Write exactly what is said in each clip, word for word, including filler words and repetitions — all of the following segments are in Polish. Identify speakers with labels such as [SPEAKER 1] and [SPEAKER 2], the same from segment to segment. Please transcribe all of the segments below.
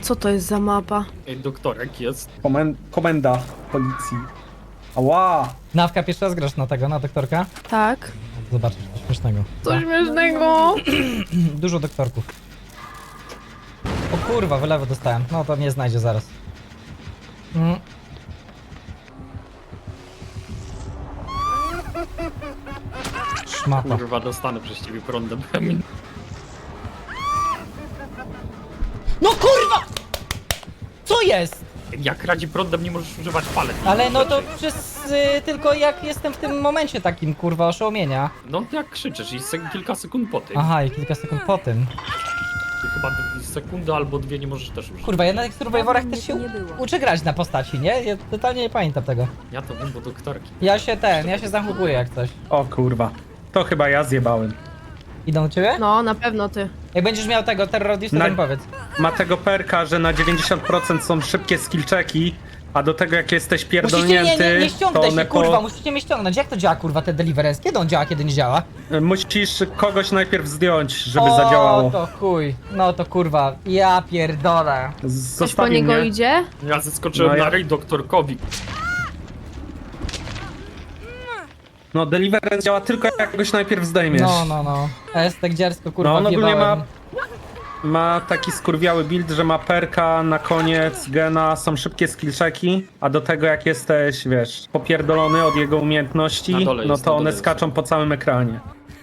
[SPEAKER 1] Co to jest za mapa?
[SPEAKER 2] Ej, doktorek jest.
[SPEAKER 3] Komen komenda policji. Ała!
[SPEAKER 4] Nawka, pierwszy raz grasz na tego, na doktorka?
[SPEAKER 1] Tak.
[SPEAKER 4] Zobaczysz, coś śmiesznego.
[SPEAKER 1] Co śmiesznego.
[SPEAKER 4] Dużo doktorków. O kurwa, wylewu dostałem. No to mnie znajdzie zaraz. Mm. Szmata.
[SPEAKER 2] Kurwa, dostanę przez ciebie prądem.
[SPEAKER 4] No kurwa! Co jest?
[SPEAKER 2] Jak radzi prądem, nie możesz używać palet.
[SPEAKER 4] Ale no to przez y, tylko jak jestem w tym momencie takim kurwa oszołomienia.
[SPEAKER 2] No jak krzyczysz i sek kilka sekund po tym.
[SPEAKER 4] Aha, i kilka sekund po tym.
[SPEAKER 2] Ty chyba dwie sekundy albo dwie nie możesz też użyć.
[SPEAKER 4] Kurwa, ja na tych survivorach też się u- uczę grać na postaci, nie? Ja totalnie nie pamiętam tego.
[SPEAKER 2] Ja to wiem, bo doktorki.
[SPEAKER 4] Ja się ten, ja się zahukuję jak coś.
[SPEAKER 3] O kurwa. To chyba ja zjebałem.
[SPEAKER 4] Idą do ciebie?
[SPEAKER 1] No, na pewno ty.
[SPEAKER 4] Jak będziesz miał tego terrorysta,
[SPEAKER 3] Na-
[SPEAKER 4] to mi powiedz.
[SPEAKER 3] Ma tego perka, że na dziewięćdziesiąt procent są szybkie skillczeki, a do tego jak jesteś
[SPEAKER 4] Musicie,
[SPEAKER 3] pierdolnięty,
[SPEAKER 4] nie, nie, nie
[SPEAKER 3] to
[SPEAKER 4] ściągnę się,
[SPEAKER 3] one
[SPEAKER 4] kurwa,
[SPEAKER 3] ko-
[SPEAKER 4] musicie mnie ściągnąć. Jak to działa, kurwa, ten deliverance? Kiedy on działa, kiedy nie działa?
[SPEAKER 3] musisz kogoś najpierw zdjąć, żeby
[SPEAKER 4] o,
[SPEAKER 3] zadziałało.
[SPEAKER 4] to chuj. No to kurwa, ja pierdolę.
[SPEAKER 1] Ktoś po
[SPEAKER 3] Zostawi
[SPEAKER 1] niego
[SPEAKER 3] mnie.
[SPEAKER 1] idzie?
[SPEAKER 2] Ja zeskoczyłem
[SPEAKER 3] No ja-
[SPEAKER 2] na rej doktorkowi.
[SPEAKER 3] No Deliverance działa tylko jak goś najpierw zdejmiesz.
[SPEAKER 4] No, no, no. Estek dziarsko, kurwa,
[SPEAKER 3] No on ogólnie
[SPEAKER 4] wjebałem.
[SPEAKER 3] ma, ma taki skurwiały build, że ma perka na koniec gena, są szybkie skillczeki, a do tego jak jesteś, wiesz, popierdolony od jego
[SPEAKER 2] Na
[SPEAKER 3] umiejętności,
[SPEAKER 2] dole
[SPEAKER 3] no
[SPEAKER 2] jest,
[SPEAKER 3] to
[SPEAKER 2] na
[SPEAKER 3] one
[SPEAKER 2] dole jest.
[SPEAKER 3] skaczą po całym ekranie.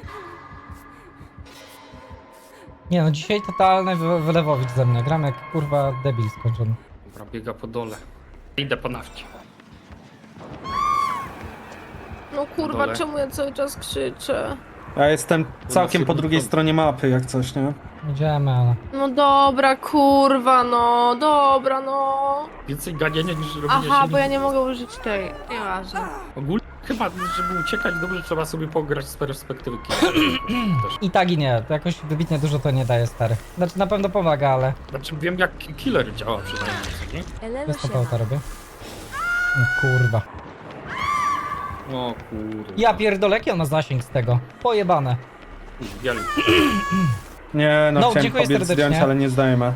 [SPEAKER 4] Nie no, dzisiaj totalny wy- wylewowicz ze mnie. Gram jak, kurwa, debil skończony.
[SPEAKER 2] Dobra, biega po dole. Idę po nafcie.
[SPEAKER 1] No kurwa,
[SPEAKER 2] Dole.
[SPEAKER 1] czemu ja cały czas krzyczę?
[SPEAKER 3] Ja jestem całkiem po
[SPEAKER 2] jednym
[SPEAKER 3] drugiej
[SPEAKER 2] kątem.
[SPEAKER 3] stronie mapy, jak coś, nie?
[SPEAKER 4] Idziemy, ale...
[SPEAKER 1] No dobra, kurwa, no, dobra, no.
[SPEAKER 2] Więcej ganienia niż robienia
[SPEAKER 1] Aha,
[SPEAKER 2] się
[SPEAKER 1] bo ja
[SPEAKER 2] nic.
[SPEAKER 1] nie mogę użyć tej. Nieważne.
[SPEAKER 2] Ogólnie chyba, żeby uciekać dobrze, trzeba sobie pograć z perspektywy killa. Też.
[SPEAKER 4] I tak i nie, to jakoś wybitnie dużo to nie daje, stary. Znaczy na pewno pomaga, ale...
[SPEAKER 2] Znaczy wiem jak killer działa przynajmniej, co nie?
[SPEAKER 4] Bez to robię. No, kurwa.
[SPEAKER 2] O kurde.
[SPEAKER 4] Ja pierdolę, jaki on ma zasięg z tego? Pojebane.
[SPEAKER 2] Wielki.
[SPEAKER 3] Nie, no,
[SPEAKER 4] No,
[SPEAKER 3] chciałem
[SPEAKER 4] dziękuję
[SPEAKER 3] kobiet
[SPEAKER 4] serdecznie.
[SPEAKER 3] zdjąć, ale nie zdajemy.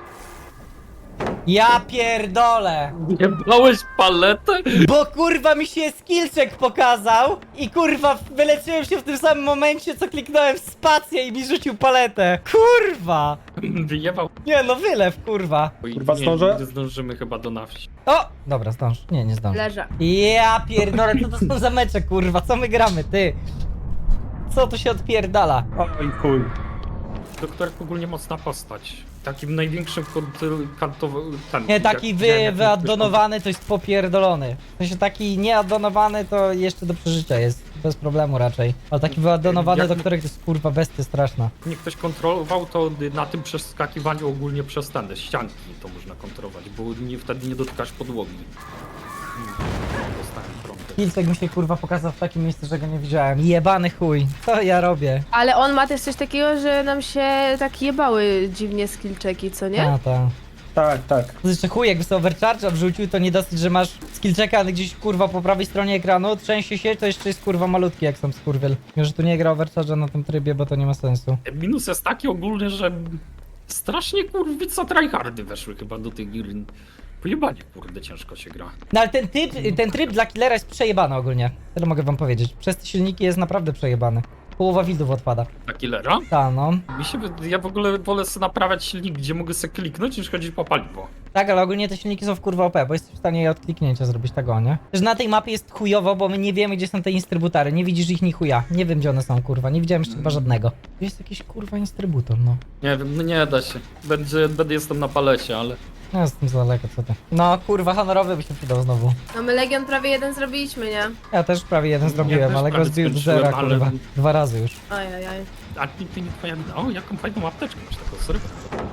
[SPEAKER 4] Ja pierdolę!
[SPEAKER 2] Nie brałeś paletę?
[SPEAKER 4] Bo kurwa mi się skillczek pokazał i kurwa wyleczyłem się w tym samym momencie, co kliknąłem w spację i mi rzucił paletę. Kurwa!
[SPEAKER 2] Wyjebał.
[SPEAKER 4] Nie no, wylew, kurwa.
[SPEAKER 3] Kurwa,
[SPEAKER 2] nie,
[SPEAKER 3] zdążę?
[SPEAKER 2] nie zdążymy chyba do na wsi.
[SPEAKER 4] O! Dobra, zdąż. Nie, nie zdąż.
[SPEAKER 1] Leżę.
[SPEAKER 4] Ja pierdolę, co to są za mecze, kurwa? Co my gramy, ty? Co tu się odpierdala?
[SPEAKER 3] Oj chuj.
[SPEAKER 2] Doktor ogólnie mocna postać. Takim największym kantowy...
[SPEAKER 4] Nie, taki wy, wyaddonowany to jest popierdolony. W sensie taki nieaddonowany to jeszcze do przeżycia jest. Bez problemu raczej. Ale taki wyaddonowany,
[SPEAKER 2] Jak-
[SPEAKER 4] do których to jest kurwa bestia straszna.
[SPEAKER 2] Nie ktoś kontrolował, to na tym przeskakiwaniu ogólnie przez ten ścianki to można kontrolować, bo nie, wtedy nie dotykasz podłogi. Hmm, no, dostałem prąd.
[SPEAKER 4] Kilcek mi się kurwa pokazał w takim miejscu, że go nie widziałem. Jebany chuj. Co ja robię?
[SPEAKER 1] Ale on ma też coś takiego, że nam się tak jebały dziwnie skillczeki, co nie?
[SPEAKER 4] A, ta.
[SPEAKER 3] Tak, tak.
[SPEAKER 4] To jeszcze chuj, jakby sobie overcharge'a wrzucił, to nie dosyć, że masz skillchecka gdzieś kurwa po prawej stronie ekranu, trzęsie się, to jeszcze jest kurwa malutki jak sam skurwiel. Mimo, że tu nie gra overcharge'a na tym trybie, bo to nie ma sensu.
[SPEAKER 2] Minus jest taki ogólny, że strasznie kurwica tryhardy weszły chyba do tych gier. Pojebanie kurde, ciężko się gra.
[SPEAKER 4] No ale ten typ, ten tryb dla killera jest przejebany ogólnie. Tyle mogę wam powiedzieć. Przez te silniki jest naprawdę przejebany. Połowa widów odpada.
[SPEAKER 2] Na killera?
[SPEAKER 4] Ta no.
[SPEAKER 2] Mi się, wy- ja w ogóle wolę sobie naprawiać silnik, gdzie mogę sobie kliknąć, niż chodzić po paliwo.
[SPEAKER 4] Tak, ale ogólnie te silniki są w kurwa O P, bo jesteś w stanie je od kliknięcia zrobić tego, nie? Też na tej mapie jest chujowo, bo my nie wiemy, gdzie są te instrybutory. Nie widzisz ich ni chuja. Nie wiem, gdzie one są, kurwa. Nie widziałem jeszcze chyba żadnego. Tu jest jakiś kurwa instrybutor, no.
[SPEAKER 2] Nie wiem, no nie da się. Będzie, będę jestem na palecie, ale...
[SPEAKER 4] No jestem za daleko, co ty. No kurwa, honorowy by się przydał znowu.
[SPEAKER 1] No my Legion prawie jeden zrobiliśmy, nie?
[SPEAKER 4] Ja też prawie jeden zrobiłem,
[SPEAKER 2] też
[SPEAKER 4] ale go
[SPEAKER 2] prawie
[SPEAKER 4] zbił do
[SPEAKER 2] skończyłem,
[SPEAKER 4] zera,
[SPEAKER 2] ale-
[SPEAKER 4] kurwa. Dwa razy już.
[SPEAKER 1] Ajajaj.
[SPEAKER 2] A ty, ty nie twoja... O, jaką fajną apteczkę masz taką, sorry.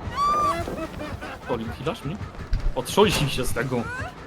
[SPEAKER 2] Oli, chwilasz mnie? Otrząśnij się z tego.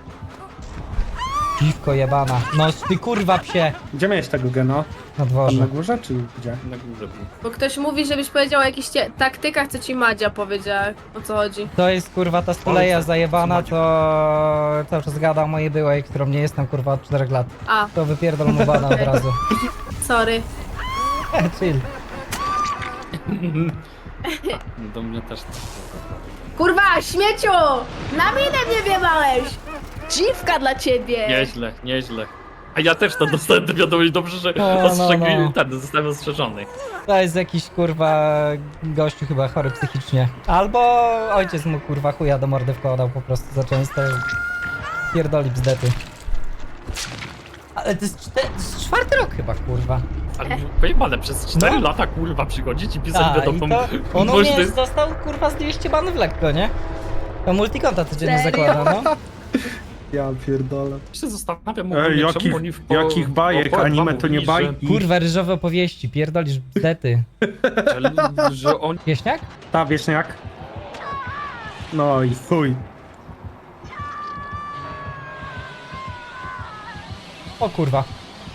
[SPEAKER 4] Dziwko jebana. No ty kurwa psie.
[SPEAKER 3] Gdzie miałeś tego gena?
[SPEAKER 4] Na
[SPEAKER 3] Tam
[SPEAKER 4] dworze.
[SPEAKER 3] na górze, czy gdzie?
[SPEAKER 2] Na górze był.
[SPEAKER 1] Bo ktoś mówi, żebyś powiedział o jakichś cie- taktykach, co ci Madzia powiedziała, o co chodzi.
[SPEAKER 4] To jest kurwa ta stuleja
[SPEAKER 2] Ojca,
[SPEAKER 4] zajebana,
[SPEAKER 2] Maciek.
[SPEAKER 4] to cały czas gada o mojej byłej, którą nie jestem kurwa od czterech lat.
[SPEAKER 1] A,
[SPEAKER 4] To wypierdol mu bana od razu.
[SPEAKER 1] sorry.
[SPEAKER 4] Chill.
[SPEAKER 2] Do mnie też tak.
[SPEAKER 1] Kurwa, śmieciu! Na minę mnie wjebałeś! Dziwka dla ciebie!
[SPEAKER 2] Nieźle, nieźle. A ja też to dostałem tę wiadomość, dobrze, że
[SPEAKER 4] No, no,
[SPEAKER 2] ostrzegli,
[SPEAKER 4] no.
[SPEAKER 2] ten, zostałem ostrzeżony.
[SPEAKER 4] To jest jakiś kurwa gościu chyba chory psychicznie. Albo ojciec mu kurwa chuja do mordy wkładał po prostu za często. Pierdoli bzdety. Ale to jest, czte- to jest czwarty rok chyba kurwa.
[SPEAKER 2] Ale pojebane, przez cztery
[SPEAKER 4] No.
[SPEAKER 2] lata kurwa przychodzić i pisać
[SPEAKER 4] A, i
[SPEAKER 2] wiadomo.
[SPEAKER 4] to on u
[SPEAKER 2] może to
[SPEAKER 4] mnie
[SPEAKER 2] jest-
[SPEAKER 4] dostał kurwa z dwieście banów lekko, nie? To multikonta codziennie
[SPEAKER 1] Serio?
[SPEAKER 4] zakłada, no.
[SPEAKER 3] Ja pierdolę.
[SPEAKER 2] się zastanawiam,
[SPEAKER 3] Ej,
[SPEAKER 2] ogólnie,
[SPEAKER 3] jakich,
[SPEAKER 2] czemu oni w po,
[SPEAKER 3] jakich bajek,
[SPEAKER 2] po- po-
[SPEAKER 3] anime to nie
[SPEAKER 2] mówili,
[SPEAKER 3] bajki.
[SPEAKER 4] Kurwa, ryżowe opowieści, pierdolisz bzdety.
[SPEAKER 2] Że, że, że oni
[SPEAKER 4] Wieśniak?
[SPEAKER 3] Ta wieśniak. No i chuj.
[SPEAKER 4] O kurwa.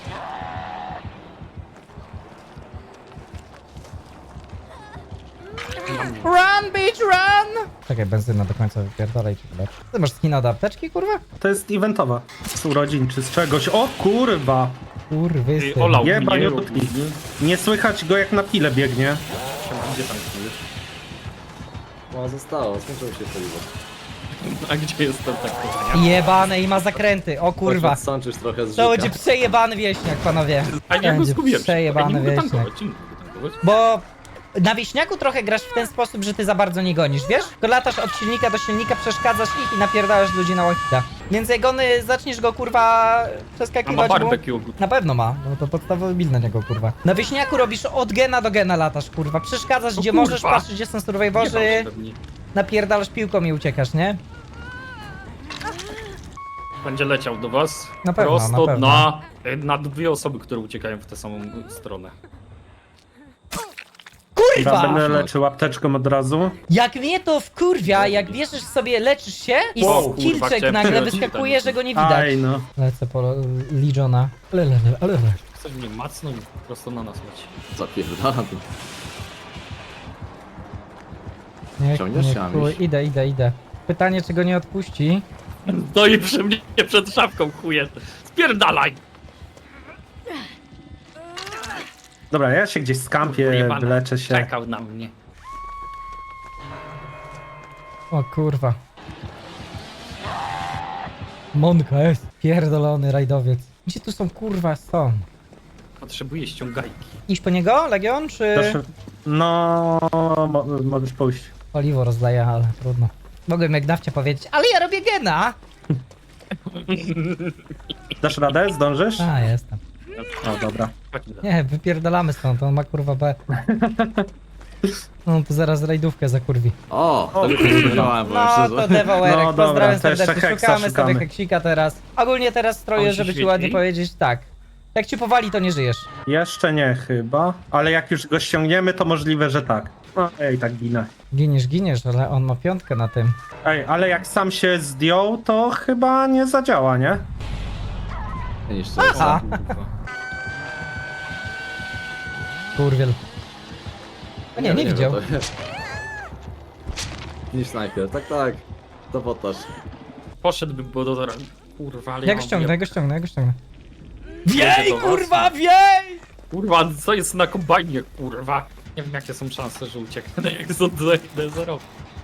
[SPEAKER 4] Run, bitch, run! Czekaj, benzyna do końca wypierdolaj ci chyba. Ty masz skina do apteczki, kurwa?
[SPEAKER 3] To jest eventowa. Z urodzin czy z czegoś. O kurwa!
[SPEAKER 4] Kurwy
[SPEAKER 2] Ej,
[SPEAKER 4] syn.
[SPEAKER 2] olał
[SPEAKER 3] Jeba,
[SPEAKER 2] mnie,
[SPEAKER 3] nie dotknij. Nie słychać go jak na pile biegnie.
[SPEAKER 2] Gdzie tam jest?
[SPEAKER 5] O, zostało, skończyło się paliwo.
[SPEAKER 2] A gdzie jest ten tak kochania?
[SPEAKER 4] Jebane i ma zakręty, o kurwa.
[SPEAKER 5] Sączysz trochę z
[SPEAKER 4] To
[SPEAKER 5] życia.
[SPEAKER 4] będzie przejebany wieśniak, panowie.
[SPEAKER 2] A ja go
[SPEAKER 4] Będzie
[SPEAKER 2] zgubiłem.
[SPEAKER 4] przejebany
[SPEAKER 2] nie mogę
[SPEAKER 4] wieśniak.
[SPEAKER 2] tankować, nie mogę tankować.
[SPEAKER 4] Bo na wieśniaku trochę grasz w ten sposób, że ty za bardzo nie gonisz, wiesz? Tylko latasz od silnika do silnika, przeszkadzasz ich i napierdalasz ludzi na łachita. Więc jak on y, zaczniesz go kurwa
[SPEAKER 2] A ma
[SPEAKER 4] przeskakiwać mu...
[SPEAKER 2] barbecue.
[SPEAKER 4] Na pewno ma, no to podstawowy build na niego, kurwa. Na wieśniaku robisz od gena do gena latasz, kurwa. Przeszkadzasz
[SPEAKER 2] O
[SPEAKER 4] gdzie
[SPEAKER 2] kurwa.
[SPEAKER 4] możesz, patrzysz gdzie są survivorzy,
[SPEAKER 2] Jebał się pewnie.
[SPEAKER 4] napierdalasz piłką i uciekasz, nie?
[SPEAKER 2] Będzie leciał do was.
[SPEAKER 4] Na pewno,
[SPEAKER 2] Prosto
[SPEAKER 4] na pewno.
[SPEAKER 2] na, na dwie osoby, które uciekają w tę samą stronę.
[SPEAKER 3] Ja
[SPEAKER 4] Kurwa!
[SPEAKER 3] będę leczył apteczką od razu.
[SPEAKER 4] Jak mnie to wkurwia, jak bierzesz sobie, leczysz się i
[SPEAKER 2] Wow, kurwa,
[SPEAKER 4] skillczek
[SPEAKER 2] chciałem
[SPEAKER 4] nagle
[SPEAKER 2] przelecieć
[SPEAKER 4] wyskakuje,
[SPEAKER 2] tam.
[SPEAKER 4] że go nie widać.
[SPEAKER 3] Aj no.
[SPEAKER 4] Lecę po Legiona. Ale, ale, ale, ale.
[SPEAKER 2] Ktoś mnie macnął i prosto na nas leci.
[SPEAKER 5] Zapierdalam.
[SPEAKER 4] Nie,
[SPEAKER 5] Ciągniesz
[SPEAKER 4] nie,
[SPEAKER 5] się,
[SPEAKER 4] chuj.
[SPEAKER 5] Amiś?
[SPEAKER 4] Idę, idę, idę. Pytanie, czy go nie odpuści?
[SPEAKER 2] No i przy mnie przed szafką chuje. Spierdalaj!
[SPEAKER 3] Dobra, ja się gdzieś skampię,
[SPEAKER 2] Pojebany.
[SPEAKER 3] wyleczę się.
[SPEAKER 2] Czekał na mnie.
[SPEAKER 4] O kurwa. Monka jest. Pierdolony rajdowiec. Gdzie tu są kurwa są?
[SPEAKER 2] Potrzebuję ściągajki.
[SPEAKER 4] Iść po niego, Legion, czy
[SPEAKER 3] Proszę. No, mo możesz pójść.
[SPEAKER 4] paliwo rozdaję, ale trudno. Mogłem jak nawcie powiedzieć, ale ja robię gena!
[SPEAKER 3] Dasz radę? Zdążysz?
[SPEAKER 4] A, jestem.
[SPEAKER 3] O, dobra.
[SPEAKER 4] Nie, wypierdalamy stąd, on ma kurwa B. No to zaraz rajdówkę zakurwi.
[SPEAKER 5] O, to już nie spodziewałem, powiem
[SPEAKER 4] No
[SPEAKER 5] szczerze.
[SPEAKER 4] to Devoerek,
[SPEAKER 3] No dobra,
[SPEAKER 4] pozdrawiam
[SPEAKER 3] to jeszcze
[SPEAKER 4] serdecznie,
[SPEAKER 3] heksa
[SPEAKER 4] szukamy,
[SPEAKER 3] szukamy.
[SPEAKER 4] sobie heksika teraz. Ogólnie teraz stroję,
[SPEAKER 2] On się
[SPEAKER 4] żeby ci
[SPEAKER 2] świeci?
[SPEAKER 4] ładnie powiedzieć, tak. Jak ci powali, to nie żyjesz.
[SPEAKER 3] Jeszcze nie chyba, ale jak już go ściągniemy, to możliwe, że tak. No, ej, tak ginę.
[SPEAKER 4] Giniesz, giniesz, ale on ma piątkę na tym.
[SPEAKER 3] Ej, ale jak sam się zdjął, to chyba nie zadziała, nie?
[SPEAKER 5] Nie niszczę.
[SPEAKER 4] Aha. Kurwiel. O nie, nie widział.
[SPEAKER 5] Niż snajper, tak, tak. To potaż.
[SPEAKER 2] Poszedłby, bo do... Kurwa, ale
[SPEAKER 4] Ja go
[SPEAKER 2] mam-
[SPEAKER 4] ściągnę, ja go ściągnę, ja go ściągnę.
[SPEAKER 2] Wiej,
[SPEAKER 4] Wiej, kurwa, wiej!
[SPEAKER 2] Kurwa, co jest na kombajnie, kurwa? Nie wiem, jakie są szanse, że ucieknę, jak zejdę zero.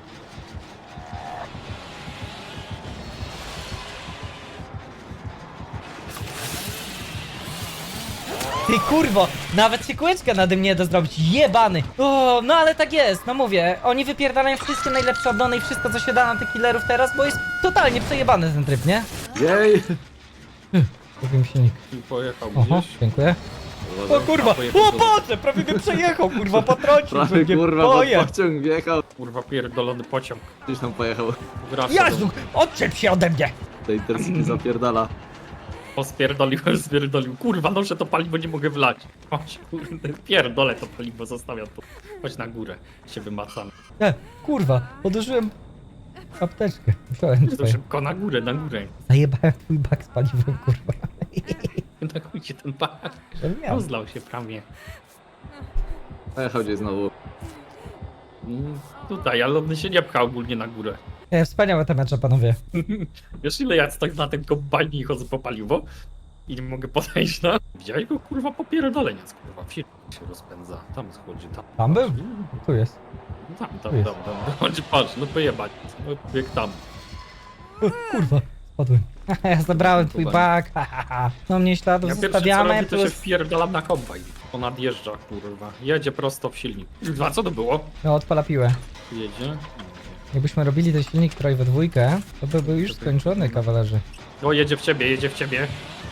[SPEAKER 4] Ty kurwo, nawet się kółeczka nade mnie nie da zrobić, jebany. O, no ale tak jest, no mówię, oni wypierdalają wszystkie najlepsze oddone i wszystko co się da na tych killerów teraz, bo jest totalnie przejebany ten tryb, nie?
[SPEAKER 5] Jej!
[SPEAKER 4] Kupiłem silnik.
[SPEAKER 2] I pojechał
[SPEAKER 4] Oho,
[SPEAKER 2] gdzieś.
[SPEAKER 4] dziękuję. O kurwa, o Boże, prawie mnie przejechał, kurwa, potrącił
[SPEAKER 5] Prawie
[SPEAKER 4] mnie,
[SPEAKER 5] kurwa, bo
[SPEAKER 4] boję.
[SPEAKER 5] pociąg wjechał.
[SPEAKER 2] Kurwa, pierdolony pociąg.
[SPEAKER 5] Gdzieś tam pojechał.
[SPEAKER 2] Wraca
[SPEAKER 4] Jezu, odczep się ode mnie.
[SPEAKER 5] Tej Intercity zapierdala.
[SPEAKER 2] O, spierdoliłem, spierdolił. Kurwa, no, że to paliwo nie mogę wlać. Chodź, kurde, pierdolę to paliwo, zostawiam to. Chodź na górę, się wymacam.
[SPEAKER 4] E, kurwa, odłożyłem apteczkę. Wziąłem
[SPEAKER 2] To
[SPEAKER 4] twoje.
[SPEAKER 2] szybko na górę, na górę.
[SPEAKER 4] Zajebałem twój bak z paliwem, kurwa.
[SPEAKER 2] Na chuj ten bak.
[SPEAKER 4] Żebym miał.
[SPEAKER 2] Rozlał się prawie.
[SPEAKER 5] Pojechał gdzieś znowu.
[SPEAKER 2] Mm, Tutaj, ale on się nie pcha ogólnie na górę.
[SPEAKER 4] E, wspaniałe te mecze, panowie.
[SPEAKER 2] Wiesz ile ja stoję na tym kombajnie i chodzę po paliwo? I nie mogę podejść na... Widziałeś go, kurwa, popierdoleniec, kurwa. Wsi się rozpędza. Tam schodzi, tam.
[SPEAKER 4] Tam był? Tu jest.
[SPEAKER 2] Tam,
[SPEAKER 4] Tu
[SPEAKER 2] tam,
[SPEAKER 4] jest.
[SPEAKER 2] tam, tam. Chodź, patrz, no pojebać. No, jak tam.
[SPEAKER 4] O, kurwa, spadłem. Ja zabrałem twój bag, ha, ha, ha. No mnie śladów
[SPEAKER 2] Ja pierwsze co
[SPEAKER 4] zostawiamy,
[SPEAKER 2] robię, to się
[SPEAKER 4] plus...
[SPEAKER 2] wpierdalam na kombajn. On nadjeżdża, kurwa. Jedzie prosto w silnik. A co to było?
[SPEAKER 4] No odpala piłę.
[SPEAKER 2] Jedzie.
[SPEAKER 4] Jakbyśmy robili ten silnik troj we dwójkę, to by był już skończony, kawalerzy.
[SPEAKER 2] O, jedzie w ciebie, jedzie w ciebie.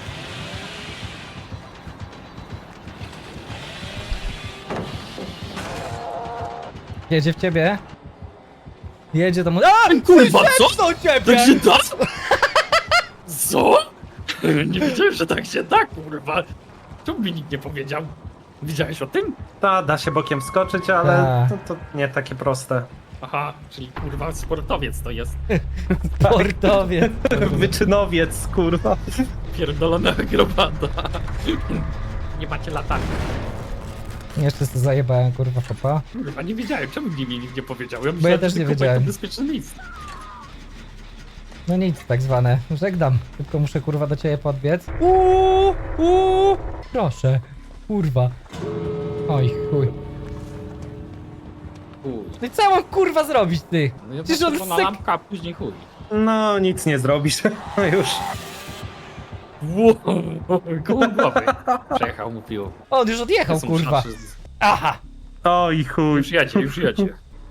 [SPEAKER 4] Jedzie w ciebie. Jedzie do mu... A!
[SPEAKER 2] Kurwa, co?
[SPEAKER 4] Do ciebie!
[SPEAKER 2] Tak się da? Co? Nie wiedziałem, że tak się da, kurwa. Czemu mi nikt nie powiedział? Widziałeś o tym?
[SPEAKER 3] Ta, da się bokiem skoczyć, ale
[SPEAKER 4] Ta.
[SPEAKER 3] to, to nie takie proste.
[SPEAKER 2] Aha, czyli kurwa sportowiec to jest.
[SPEAKER 4] Sportowiec.
[SPEAKER 3] Wyczynowiec, kurwa.
[SPEAKER 2] Pierdolona akrobata. Nie macie latarki.
[SPEAKER 4] Jeszcze sobie zajebałem, kurwa, chopa.
[SPEAKER 2] Kurwa, nie wiedziałem, czemu mi nikt nie powiedział. Ja
[SPEAKER 4] ja
[SPEAKER 2] myślałem,
[SPEAKER 4] też
[SPEAKER 2] że
[SPEAKER 4] nie
[SPEAKER 2] tylko
[SPEAKER 4] wiedziałem.
[SPEAKER 2] To bezpieczny list.
[SPEAKER 4] No nic, tak zwane. Żegnam. Tylko muszę, kurwa, do ciebie podbiec. Uuu, uuu. Proszę. Kurwa. Oj, chuj.
[SPEAKER 2] Chuj.
[SPEAKER 4] No i co ja mam, kurwa, zrobić, ty?
[SPEAKER 2] No ja
[SPEAKER 4] Przecież on
[SPEAKER 2] na
[SPEAKER 4] syk...
[SPEAKER 2] lampka, a później chuj.
[SPEAKER 3] No, nic nie zrobisz. No już.
[SPEAKER 2] Wow, koło głowy. Przejechał mu piło.
[SPEAKER 4] On już odjechał,
[SPEAKER 2] Są
[SPEAKER 4] kurwa.
[SPEAKER 2] szaszy.
[SPEAKER 4] Aha.
[SPEAKER 3] Oj, chuj.
[SPEAKER 2] Już jedzie, już jedzie.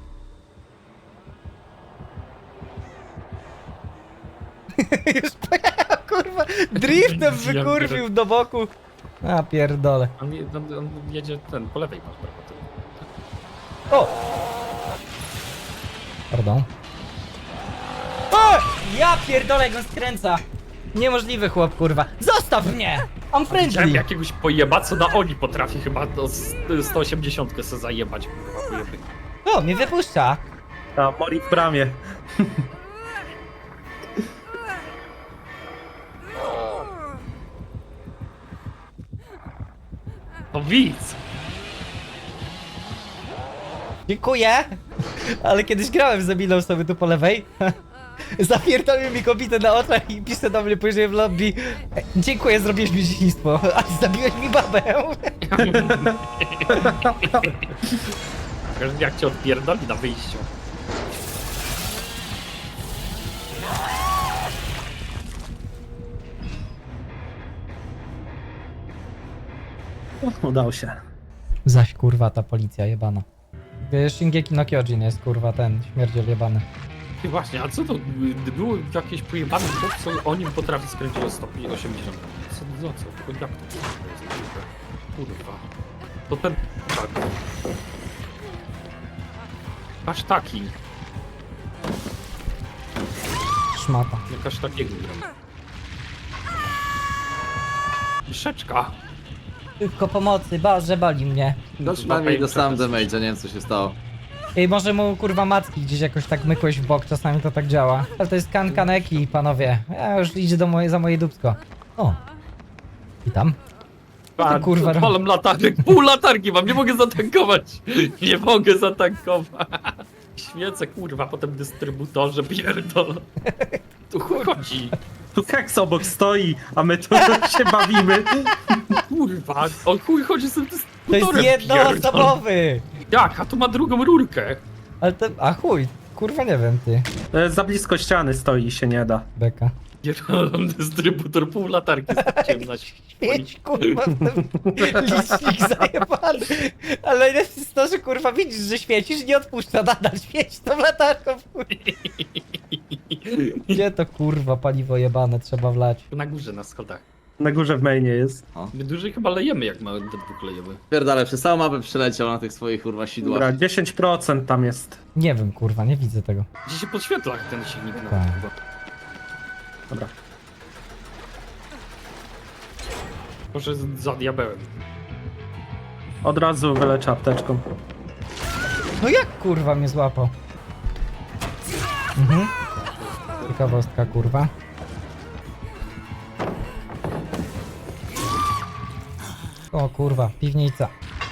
[SPEAKER 4] Już pojechał, kurwa. Driftem
[SPEAKER 2] Ja
[SPEAKER 4] wykurwił do boku. A pierdole.
[SPEAKER 2] On, je- on, on jedzie ten, po lewej masz prawo. ty.
[SPEAKER 4] O! Pardon. O! Ja pierdolę, jak on skręca. Niemożliwy chłop, kurwa. Zostaw mnie! I'm
[SPEAKER 2] Widziałem
[SPEAKER 4] friendly.
[SPEAKER 2] jakiegoś pojeba, co na oni potrafi chyba do s- sto osiemdziesiąt se zajebać, kurwa, pojeby.
[SPEAKER 4] O, mnie wypuszcza.
[SPEAKER 3] A, Mori w bramie.
[SPEAKER 2] To widz!
[SPEAKER 4] Dziękuję. Ale kiedyś grałem z Emilą sobie tu po lewej. Zapierdolił mi kobietę na oczach i pisze do mnie później w lobby. "E, Dziękuję, zrobiłeś mi dzieciństwo, ale zabiłeś mi babę.
[SPEAKER 2] Jak cię odpierdoli na wyjściu.
[SPEAKER 3] Udał się.
[SPEAKER 4] Zaś kurwa ta policja jebana. Wiesz, Shingeki no Kyojin jest kurwa ten śmierdziel jebany.
[SPEAKER 2] I właśnie, a co to? Gdy było jakieś pojebane chłop, co o nim potrafi skręcić o sto osiemdziesiąt? Co, no co? Jak to jest? Kurwa. To ten... Tak. Aż taki.
[SPEAKER 4] Szmata.
[SPEAKER 2] Jakaś takiego gram. Myszeczka.
[SPEAKER 4] Tylko pomocy, Boże, boli mnie.
[SPEAKER 5] No przynajmniej dostałem damage, nie wiem co się stało.
[SPEAKER 4] Ej, może mu kurwa matki gdzieś jakoś tak mykłeś w bok, czasami to tak działa. Ale to jest kan kaneki, panowie. Ja już idzie do moje, za moje dupsko. O. Witam.
[SPEAKER 2] A,
[SPEAKER 4] kurwa,
[SPEAKER 2] kurwa, palam latarek, pół latarki mam, nie mogę zatankować. Nie mogę zatankować. Świecę, kurwa, potem dystrybutorze, pierdol. Tu chuj chodzi.
[SPEAKER 3] Tu Keks obok stoi, a my tu się bawimy.
[SPEAKER 2] Kurwa, o chuj chodzi z tym
[SPEAKER 4] To jest
[SPEAKER 2] dystrybutorem, pierdol.
[SPEAKER 4] jednoosobowy!
[SPEAKER 2] Jak, a tu ma drugą rurkę.
[SPEAKER 4] Ale to... A chuj, kurwa nie wiem, ty.
[SPEAKER 3] E, Za blisko ściany stoi i się nie da.
[SPEAKER 4] Beka.
[SPEAKER 2] Pierdolą dystrybutor, pół latarki straciłem na
[SPEAKER 4] Świeć, kurwa, w ten licznik zajebany. Ale najlepsze jest to, że kurwa widzisz, że świecisz i nie odpuszcza, nadal świeci tą latarką. w chuj. Gdzie to kurwa paliwo jebane trzeba wlać?
[SPEAKER 2] Na górze, na schodach.
[SPEAKER 3] Na górze w mainie jest.
[SPEAKER 2] My dłużej chyba lejemy, jak mamy do dwóch lejemy.
[SPEAKER 5] Pierdale, przez całą mapę przeleciał na tych swoich kurwa sidłach.
[SPEAKER 3] Dobra, dziesięć procent tam jest.
[SPEAKER 4] Nie wiem, kurwa, nie widzę tego.
[SPEAKER 2] Gdzie się podświetla ten silnik na
[SPEAKER 4] Tak.
[SPEAKER 2] chyba.
[SPEAKER 3] Dobra.
[SPEAKER 2] Może z- za diabełem.
[SPEAKER 3] Od razu wyleczę apteczką.
[SPEAKER 4] No jak kurwa mnie złapał? Mhm. Ciekawostka, kurwa. O kurwa, piwnica.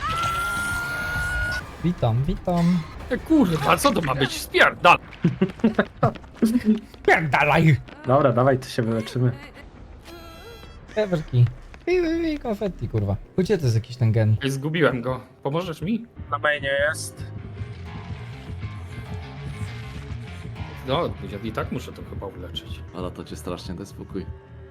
[SPEAKER 4] Witam, witam.
[SPEAKER 2] E, kurwa, co to ma być? Spierdal!
[SPEAKER 4] Pierdalaj!
[SPEAKER 3] Dobra, dawaj, to się wyleczymy.
[SPEAKER 4] Ewerki. I, i, i konfetti, kurwa. Gdzie to jest jakiś ten gen?
[SPEAKER 2] Ej, zgubiłem go. Pomożesz mi?
[SPEAKER 3] Na mainie jest.
[SPEAKER 2] No, ja i tak muszę to chyba uleczyć.
[SPEAKER 5] Ale to cię strasznie, daj spokój.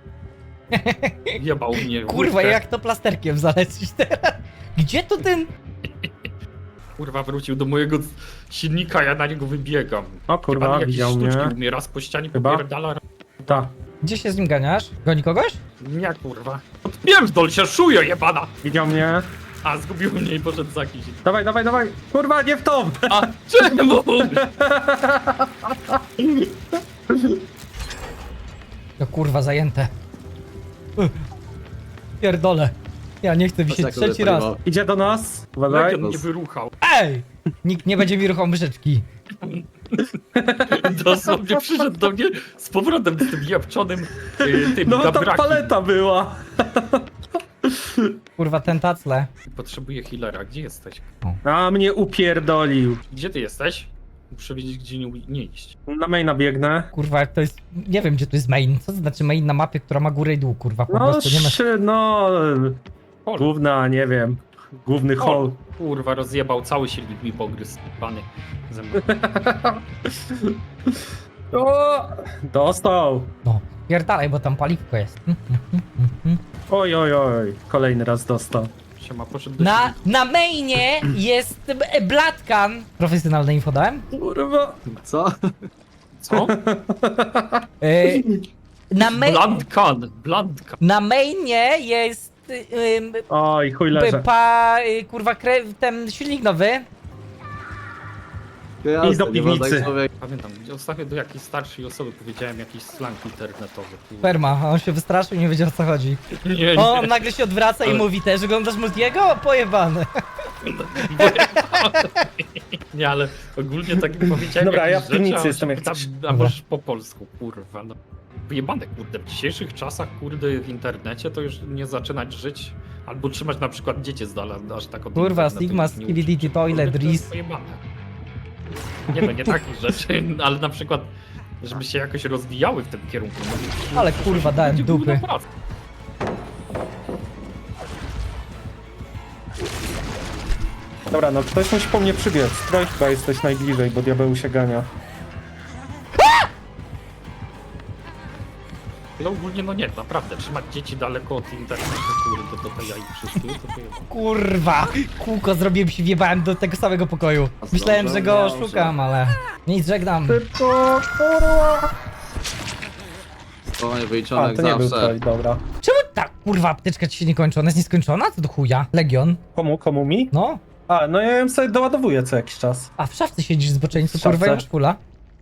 [SPEAKER 2] Jebał mnie.
[SPEAKER 4] Kurwa,
[SPEAKER 2] łódkę.
[SPEAKER 4] jak to plasterkiem zalecić teraz? Gdzie to ten...
[SPEAKER 2] Kurwa, wrócił do mojego silnika, ja na niego wybiegam.
[SPEAKER 3] O kurwa,
[SPEAKER 2] Chyba jakieś
[SPEAKER 3] widział
[SPEAKER 2] sztuczki
[SPEAKER 3] mnie.
[SPEAKER 2] umie, raz po ścianie
[SPEAKER 3] Chyba.
[SPEAKER 2] popierdala.
[SPEAKER 3] Ta,
[SPEAKER 4] Gdzie się z nim ganiasz? Goni kogoś?
[SPEAKER 2] Nie, kurwa. Odpierdol się, szujo jebana!
[SPEAKER 3] widział mnie.
[SPEAKER 2] A, zgubił mnie i poszedł za jakiś...
[SPEAKER 3] Dawaj, dawaj, dawaj. Kurwa, nie w tą.
[SPEAKER 2] A, czemu?
[SPEAKER 4] No kurwa, zajęte. Uch. Pierdolę. Ja nie chcę wisieć
[SPEAKER 5] Tak,
[SPEAKER 4] trzeci raz.
[SPEAKER 5] paliwo.
[SPEAKER 3] Idzie do nas. Uważaj.
[SPEAKER 2] Legion mnie wyruchał.
[SPEAKER 4] Ej! Nikt nie będzie mi ruchał myszeczki.
[SPEAKER 2] Dosłownie przyszedł do mnie z powrotem z tym jabczonym y, tym
[SPEAKER 3] No ta
[SPEAKER 2] gabrakiem.
[SPEAKER 3] paleta była.
[SPEAKER 4] Kurwa, ten tacle.
[SPEAKER 2] Potrzebuję healera, gdzie jesteś?
[SPEAKER 3] A mnie upierdolił.
[SPEAKER 2] Gdzie ty jesteś? Muszę wiedzieć, gdzie nie, nie iść.
[SPEAKER 3] Na maina biegnę.
[SPEAKER 4] Kurwa, to jest... Nie wiem, gdzie to jest main. Co to znaczy main na mapie, która ma górę i dół, kurwa? Po
[SPEAKER 3] No,
[SPEAKER 4] prostu nie ma...
[SPEAKER 3] szy, no,
[SPEAKER 2] Hol.
[SPEAKER 3] główna, nie wiem, główny hall.
[SPEAKER 2] Hol. Kurwa, rozjebał cały silnik mi pogryzł. Pany ze mną.
[SPEAKER 3] O, dostał.
[SPEAKER 4] No, pierdalaj, bo tam paliwko jest. Mm, mm, mm, mm, mm.
[SPEAKER 3] Oj, oj, oj, kolejny raz dostał.
[SPEAKER 2] Siema, poszedł do
[SPEAKER 4] Na,
[SPEAKER 2] silnika.
[SPEAKER 4] na mainie jest e, Blatkan. Profesjonalne info dałem?
[SPEAKER 3] Kurwa.
[SPEAKER 5] Co?
[SPEAKER 2] Co?
[SPEAKER 4] E, na, main,
[SPEAKER 2] Blandkan, Blandkan.
[SPEAKER 4] na mainie jest... ym,
[SPEAKER 3] Oj, chuj
[SPEAKER 4] p-
[SPEAKER 3] leżę.
[SPEAKER 4] pa, y, kurwa, kre, ten silnik nowy.
[SPEAKER 5] Jasne,
[SPEAKER 3] I do
[SPEAKER 5] nie można
[SPEAKER 3] piwnicy.
[SPEAKER 5] tak człowiek-
[SPEAKER 2] Pamiętam, ostatnio do jakiejś starszej osoby powiedziałem jakiś slang internetowy. kurwa.
[SPEAKER 4] Perma, a on się wystraszył i nie wiedział o co chodzi.
[SPEAKER 2] Nie, nie.
[SPEAKER 4] O, on nagle się odwraca i
[SPEAKER 2] Ale-
[SPEAKER 4] mówi też, oglądasz Multiego? Pojebane.
[SPEAKER 2] Nie, ale ogólnie tak powiedziałem.
[SPEAKER 3] Dobra,
[SPEAKER 2] jakieś
[SPEAKER 3] ja w piwnicy
[SPEAKER 2] rzeczy, a on
[SPEAKER 3] jestem,
[SPEAKER 2] się
[SPEAKER 3] jak
[SPEAKER 2] pyta,
[SPEAKER 3] coś.
[SPEAKER 2] A
[SPEAKER 4] Dobra.
[SPEAKER 2] możesz po polsku, kurwa. No. Wyjebane, kurde. W dzisiejszych czasach, kurde, w internecie to już nie zaczynać żyć. Albo trzymać na przykład dzieci z dala, aż tak od
[SPEAKER 4] Kurwa,
[SPEAKER 2] internetu
[SPEAKER 4] Sigma,
[SPEAKER 2] ich nie uczyć.
[SPEAKER 4] Skibidi, Toilet,
[SPEAKER 2] Kurde, to jest
[SPEAKER 4] Riz.
[SPEAKER 2] pojebane. Nie no, nie takich rzeczy, ale na przykład, żeby się jakoś rozwijały w tym kierunku. No,
[SPEAKER 4] Ale kurwa, dałem
[SPEAKER 2] będzie
[SPEAKER 4] dupy.
[SPEAKER 2] główna praca.
[SPEAKER 3] Dobra, no ktoś musi po mnie przybiec. Troj chyba jesteś najbliżej, bo diabeł się gania.
[SPEAKER 2] No ogólnie no nie, naprawdę, trzymać dzieci daleko od internetu, kurde, do tej jaj wszystkie, to to jest...
[SPEAKER 4] Kurwa! Kółko zrobiłem się, wjebałem do tego samego pokoju. Myślałem, że go
[SPEAKER 5] Dobrze.
[SPEAKER 4] szukam, ale... Nic, żegnam.
[SPEAKER 3] Szybko, kurwa.
[SPEAKER 5] Spokojnie,
[SPEAKER 3] A,
[SPEAKER 5] wyliczonek
[SPEAKER 3] to nie był
[SPEAKER 5] zawsze.
[SPEAKER 3] Troj, dobra.
[SPEAKER 4] Czemu ta kurwa apteczka ci się nie kończy? Ona jest nieskończona? Co do chuja? Legion?
[SPEAKER 3] Komu, komu mi?
[SPEAKER 4] No?
[SPEAKER 3] A, no ja ją sobie doładowuję co jakiś czas.
[SPEAKER 4] A w szafce siedzisz z boczeńcu,
[SPEAKER 3] W
[SPEAKER 4] kurwa,
[SPEAKER 3] szafce?
[SPEAKER 4] i szpula?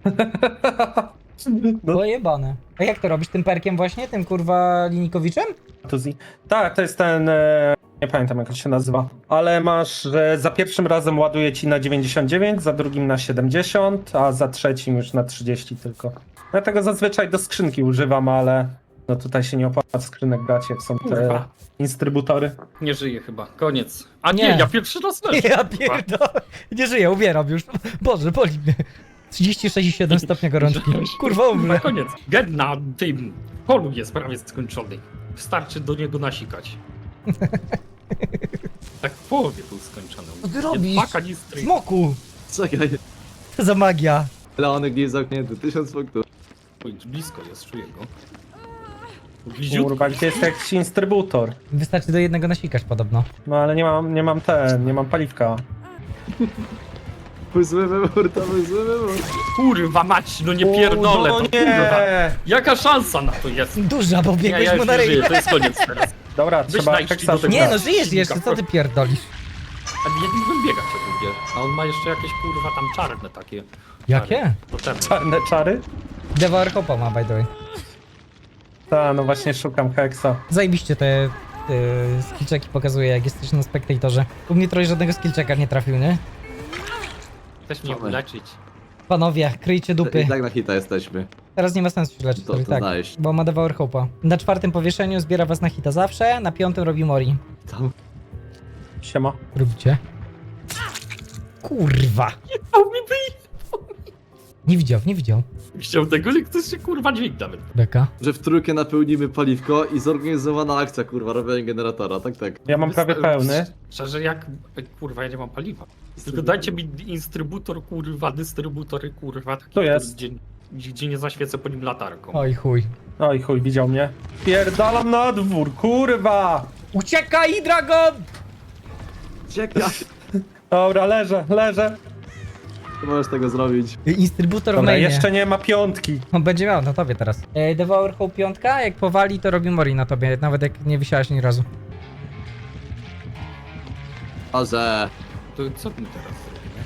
[SPEAKER 3] No,
[SPEAKER 4] Pojebane. A jak to robisz? Tym perkiem właśnie? Tym kurwa linikowiczem?
[SPEAKER 3] to zi- tak, to jest ten... E, nie pamiętam jak on się nazywa. Ale masz, że za pierwszym razem ładuje ci na dziewięćdziesiąt dziewięć, za drugim na siedemdziesiąt, a za trzecim już na trzydzieści tylko. Ja tego zazwyczaj do skrzynki używam, ale... No tutaj się nie opłaca skrzynek brać, jak są te
[SPEAKER 2] Kurwa.
[SPEAKER 3] instrybutory.
[SPEAKER 2] Nie żyje chyba, koniec. A nie,
[SPEAKER 4] Nie.
[SPEAKER 2] ja pierwszy raz leżę.
[SPEAKER 4] Ja
[SPEAKER 2] kurwa.
[SPEAKER 4] pierdolę. Nie żyję, umieram już. Boże, boli mnie. trzydzieści sześć i siedem stopnia gorączki. Kurwa, umrę.
[SPEAKER 2] Na koniec. Gen na tym polu jest prawie skończony. Wystarczy do niego nasikać. Tak w połowie był skończony.
[SPEAKER 4] Co ty robisz?
[SPEAKER 2] Dwa kanistry.
[SPEAKER 4] Smoku!
[SPEAKER 5] Czekaj,
[SPEAKER 4] Co za magia.
[SPEAKER 5] Leonek nie jest zamknięty, tysiąc punktów.
[SPEAKER 2] Oj, blisko jest, czuję go. Bliziutko.
[SPEAKER 3] Kurwa, gdzie jest jakiś instrybutor?
[SPEAKER 4] Wystarczy do jednego nasikać podobno.
[SPEAKER 3] No ale nie mam, nie mam ten, nie mam paliwka.
[SPEAKER 5] Był zły wybór, to był zły wybór.
[SPEAKER 2] Kurwa mać, no nie pierdolę,
[SPEAKER 3] O,
[SPEAKER 2] to
[SPEAKER 3] no
[SPEAKER 2] kurwa.
[SPEAKER 3] nie!
[SPEAKER 2] Jaka szansa na to jest?
[SPEAKER 4] Duża, bo
[SPEAKER 2] Nie,
[SPEAKER 4] biegłeś
[SPEAKER 2] ja
[SPEAKER 4] mu
[SPEAKER 2] już
[SPEAKER 4] na
[SPEAKER 2] nie żyję,
[SPEAKER 4] ryj.
[SPEAKER 2] to jest koniec teraz.
[SPEAKER 3] Dobra,
[SPEAKER 2] Weź
[SPEAKER 3] trzeba
[SPEAKER 2] najdź
[SPEAKER 3] teksta
[SPEAKER 2] mi do tego.
[SPEAKER 4] Nie no,
[SPEAKER 3] szukać.
[SPEAKER 4] żyjesz jeszcze, co ty pierdolisz?
[SPEAKER 2] A ja nie bym biegać jak lubię. A on ma jeszcze jakieś kurwa tam czarne takie.
[SPEAKER 4] Jakie?
[SPEAKER 2] Potem.
[SPEAKER 3] Czarne czary?
[SPEAKER 4] Devour Hopa ma, by the way.
[SPEAKER 3] Ta, no właśnie szukam heksa.
[SPEAKER 4] Zajebiście te y, skillczeki pokazuje, jak jesteś na spektatorze. U mnie trochę żadnego skillczeka nie trafił, nie?
[SPEAKER 2] Chcesz mnie
[SPEAKER 5] Dawaj.
[SPEAKER 2] uleczyć.
[SPEAKER 4] Panowie, kryjcie dupy.
[SPEAKER 5] I tak na hita jesteśmy.
[SPEAKER 4] Teraz nie ma sensu się leczyć,
[SPEAKER 5] To-
[SPEAKER 4] to, i
[SPEAKER 5] to
[SPEAKER 4] tak.
[SPEAKER 5] znaleźć.
[SPEAKER 4] Bo ma Devour Hopa. Na czwartym powieszeniu zbiera was na hita zawsze, na piątym robi Mori.
[SPEAKER 5] Tam.
[SPEAKER 3] Siema.
[SPEAKER 4] Robicie? Kurwa!
[SPEAKER 2] O, mi by...
[SPEAKER 4] Nie widział, nie widział.
[SPEAKER 2] Chciał tego, że ktoś się kurwa dźwig nawet.
[SPEAKER 4] Beka.
[SPEAKER 5] Że w trójkę napełnimy paliwko i zorganizowana akcja, kurwa, robienie generatora, tak, tak.
[SPEAKER 3] Ja mam prawie pełny.
[SPEAKER 2] Szczerze jak... Kurwa, ja nie mam paliwa. Tylko dajcie mi instrybutor, kurwa, dystrybutory, kurwa. Taki,
[SPEAKER 3] Tu
[SPEAKER 2] który
[SPEAKER 3] jest.
[SPEAKER 2] Dzień... gdzie nie zaświecę po nim latarką.
[SPEAKER 4] Oj chuj.
[SPEAKER 3] Oj chuj, widział mnie. Pierdalam na dwór, kurwa!
[SPEAKER 4] Uciekaj, Dragon!
[SPEAKER 5] Czekaj,
[SPEAKER 3] Dobra, leżę, leżę.
[SPEAKER 5] nie możesz tego zrobić.
[SPEAKER 4] Instrybutor w
[SPEAKER 3] Dobra,
[SPEAKER 4] mainie.
[SPEAKER 3] jeszcze nie ma piątki.
[SPEAKER 4] On będzie miał na tobie teraz. E, Devour Hope piątka, jak powali, to robi Mori na tobie, nawet jak nie wisiałeś ani razu.
[SPEAKER 5] A że...
[SPEAKER 2] To co my teraz zrobimy?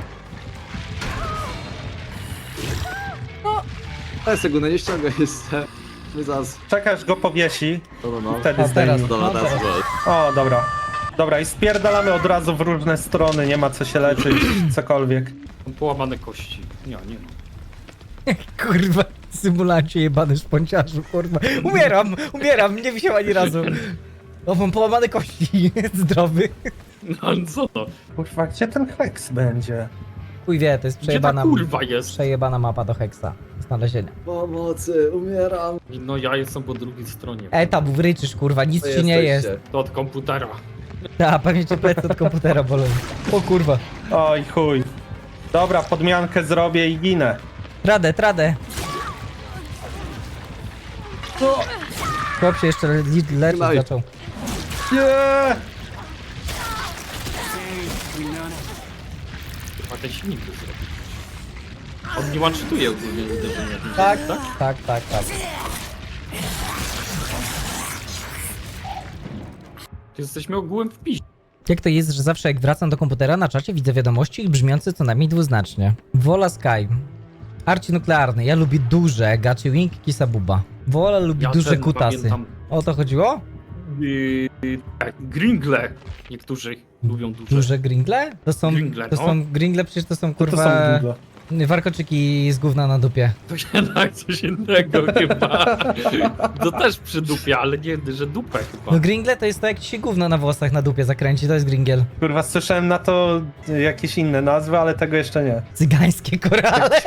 [SPEAKER 5] Ale sekundę, nie ściągaj jeszcze. My zaraz...
[SPEAKER 3] Czekaj, aż go powiesi.
[SPEAKER 5] No, no, no.
[SPEAKER 3] Wtedy
[SPEAKER 4] A teraz.
[SPEAKER 3] zdejmij.
[SPEAKER 5] Dobra,
[SPEAKER 4] No,
[SPEAKER 5] teraz
[SPEAKER 4] teraz.
[SPEAKER 5] go.
[SPEAKER 3] O, dobra. Dobra, i spierdalamy od razu w różne strony, nie ma co się leczyć, cokolwiek.
[SPEAKER 2] Mam połamane kości. Nie, nie ma.
[SPEAKER 4] Kurwa, symulancie jebany szponciarzu, kurwa. Umieram, umieram, nie wisiał ani razu. O, mam połamane kości, zdrowy.
[SPEAKER 2] No ale co to?
[SPEAKER 3] Kurwa, gdzie ten heks będzie?
[SPEAKER 4] Chuj wie, to jest
[SPEAKER 2] Gdzie ta
[SPEAKER 4] przejebana,
[SPEAKER 2] kurwa jest?
[SPEAKER 4] przejebana mapa do Hexa. Znalezienia.
[SPEAKER 5] Pomocy, umieram.
[SPEAKER 2] No ja jestem po drugiej stronie.
[SPEAKER 4] Ej, tam wryczysz, kurwa, nic
[SPEAKER 5] To
[SPEAKER 4] ci nie jest.
[SPEAKER 5] jesteście.
[SPEAKER 2] To od komputera.
[SPEAKER 4] Ta, pewnie cię plecy od komputera bolą. O kurwa.
[SPEAKER 3] Oj chuj. Dobra, podmiankę zrobię i ginę.
[SPEAKER 4] Tradę, tradę. Chłop się jeszcze le- leczyć
[SPEAKER 5] Daj.
[SPEAKER 4] zaczął.
[SPEAKER 3] Nie!
[SPEAKER 2] Chyba ten silnik to zrobił. On nie one-shotuje ogólnie uderzenia. tym
[SPEAKER 4] Tak,
[SPEAKER 2] silnikiem,
[SPEAKER 4] tak, tak, tak.
[SPEAKER 2] Jesteśmy ogółem w piździe.
[SPEAKER 4] Jak to jest, że zawsze jak wracam do komputera na czacie widzę wiadomości brzmiące co najmniej dwuznacznie. Wola Sky. Arci nuklearny. Ja lubię duże. Gachi Wing, Kisabuba. Wola lubi
[SPEAKER 2] Ja
[SPEAKER 4] duże
[SPEAKER 2] ten
[SPEAKER 4] kutasy.
[SPEAKER 2] pamiętam.
[SPEAKER 4] O to chodziło?
[SPEAKER 2] Yy, tak, Gringle. Niektórzy lubią duże.
[SPEAKER 4] Duże gringle? To są,
[SPEAKER 2] Gringle,
[SPEAKER 4] to
[SPEAKER 2] no.
[SPEAKER 4] są gringle, przecież to są
[SPEAKER 3] To, to
[SPEAKER 4] kurwa
[SPEAKER 3] są długo.
[SPEAKER 4] warkoczyki z gówna na dupie.
[SPEAKER 2] To się tak coś innego chyba. To też przy dupie, ale nie, że dupę chyba.
[SPEAKER 4] No gringle to jest to jak ci się gówno na włosach na dupie zakręci, to jest gringiel.
[SPEAKER 3] Kurwa, słyszałem na to jakieś inne nazwy, ale tego jeszcze nie.
[SPEAKER 4] Cygańskie korale.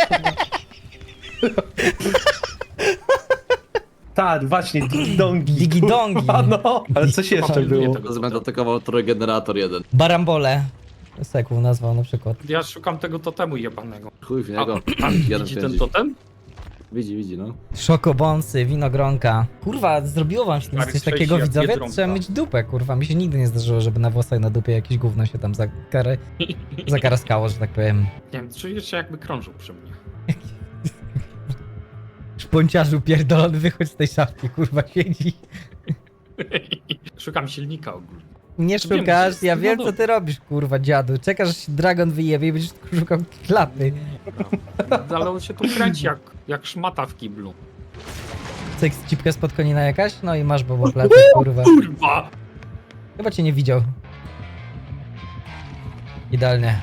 [SPEAKER 3] Tak, właśnie, digidongi.
[SPEAKER 4] Digidongi.
[SPEAKER 3] Kurwa, no. Ale coś jeszcze
[SPEAKER 2] Pilnuję
[SPEAKER 3] było.
[SPEAKER 2] tego
[SPEAKER 5] Teraz będę
[SPEAKER 2] totemu.
[SPEAKER 5] atakował trójgenerator jeden.
[SPEAKER 4] Barambole. Sekł nazwał na przykład.
[SPEAKER 2] Ja szukam tego totemu jebanego.
[SPEAKER 5] Chuj w
[SPEAKER 2] A,
[SPEAKER 5] niego.
[SPEAKER 2] a
[SPEAKER 5] Jeden
[SPEAKER 2] widzi ten
[SPEAKER 5] pędzi.
[SPEAKER 2] totem?
[SPEAKER 5] Widzi, widzi, no.
[SPEAKER 4] Szokobonsy, winogronka. Kurwa, zrobiło wam się
[SPEAKER 2] Stary,
[SPEAKER 4] coś
[SPEAKER 2] trzeci
[SPEAKER 4] takiego,
[SPEAKER 2] jak
[SPEAKER 4] widzowie?
[SPEAKER 2] Biedronka.
[SPEAKER 4] Trzeba mieć dupę, kurwa. Mi się nigdy nie zdarzyło, żeby na włosach na dupie jakieś gówno się tam zakar... zakaraskało, że tak powiem.
[SPEAKER 2] Nie wiem, czuję się jakby krążył przy mnie.
[SPEAKER 4] Szponciarzu pierdolony, wychodź z tej szafki, kurwa, siedzi.
[SPEAKER 2] Szukam silnika ogólnie.
[SPEAKER 4] Nie
[SPEAKER 2] Wiem,
[SPEAKER 4] szukasz,
[SPEAKER 2] że-
[SPEAKER 4] ja
[SPEAKER 2] no
[SPEAKER 4] wiem co
[SPEAKER 2] dobra.
[SPEAKER 4] ty robisz, kurwa, dziadu. Czekasz, aż się dragon wyjebie i będziesz szukał klapy.
[SPEAKER 2] Ale on się tu kręci jak, jak szmata w kiblu.
[SPEAKER 4] Seks cipka spod konina jakaś? No i masz bobo plecy, kurwa.
[SPEAKER 2] Kurwa!
[SPEAKER 4] Chyba cię nie widział. Idealnie.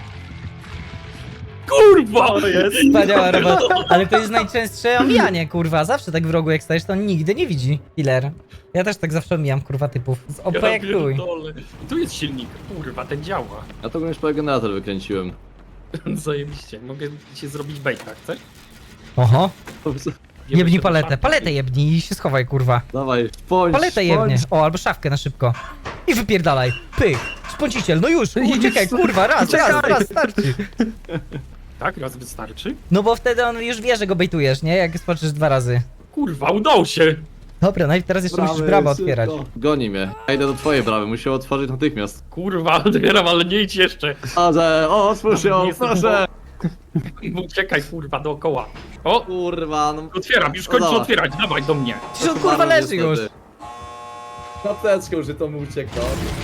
[SPEAKER 2] Kurwa!
[SPEAKER 4] Wspaniała robota. Ale to jest najczęstsze omijanie, kurwa. Zawsze tak w rogu jak stajesz, to on nigdy nie widzi. Killer. Ja też tak zawsze omijam, kurwa, typów. Z O P jak chuj.
[SPEAKER 2] pierdolę. Tu jest silnik. Kurwa, ten działa.
[SPEAKER 5] Ja to już generator wykręciłem.
[SPEAKER 2] Zajebiście. Mogę ci zrobić bejta, chcesz?
[SPEAKER 4] Oho.
[SPEAKER 2] Jebie
[SPEAKER 4] Jebnij
[SPEAKER 2] się do
[SPEAKER 4] paletę.
[SPEAKER 2] szafki.
[SPEAKER 4] Paletę jebnij i się schowaj, kurwa.
[SPEAKER 5] Dawaj, szpończ,
[SPEAKER 4] Paletę jebnie.
[SPEAKER 5] szpończ.
[SPEAKER 4] O, albo szafkę na szybko. I wypierdalaj. Pyk. Szponciciel, no już. Uciekaj, kurwa, raz, raz, raz, starczy.
[SPEAKER 2] Tak, raz wystarczy?
[SPEAKER 4] No bo wtedy on już wie, że go bejtujesz, nie? Jak spoczysz dwa razy.
[SPEAKER 2] Kurwa, udało się!
[SPEAKER 4] Dobra, najpierw teraz jeszcze musisz
[SPEAKER 5] Brawy,
[SPEAKER 4] bramę
[SPEAKER 5] szybko.
[SPEAKER 4] otwierać.
[SPEAKER 5] Goni mnie. Ja idę do twojej brawy, muszę ją otworzyć natychmiast.
[SPEAKER 2] Kurwa, otwieram, ale nie idź jeszcze.
[SPEAKER 5] A że, o, otwórz
[SPEAKER 2] Nie
[SPEAKER 5] ją,
[SPEAKER 2] jestem
[SPEAKER 5] proszę.
[SPEAKER 2] Uciekaj, kurwa, dookoła. O!
[SPEAKER 5] Kurwa, no.
[SPEAKER 2] Otwieram, już
[SPEAKER 5] No
[SPEAKER 2] kończę
[SPEAKER 5] dobra.
[SPEAKER 2] otwierać, dawaj do mnie.
[SPEAKER 4] Przecież on kurwa leży już.
[SPEAKER 5] Klateczką, że to mu uciekło.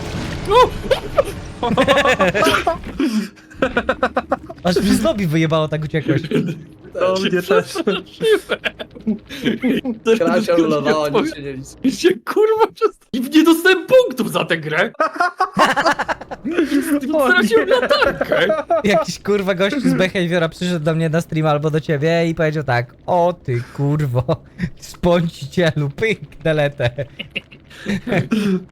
[SPEAKER 4] Aż mi z lobby wyjebało, tak uciekłeś.
[SPEAKER 3] To mnie też.
[SPEAKER 5] Krasia ulowała, nic się nie liczy.
[SPEAKER 2] się kurwa przez... I nie dostałem punktów za tę grę. Straciłem latarkę.
[SPEAKER 4] Jakiś kurwa gościu z behaviora przyszedł do mnie na stream albo do ciebie i powiedział tak: o ty kurwo, spącicielu, pyk, deletę.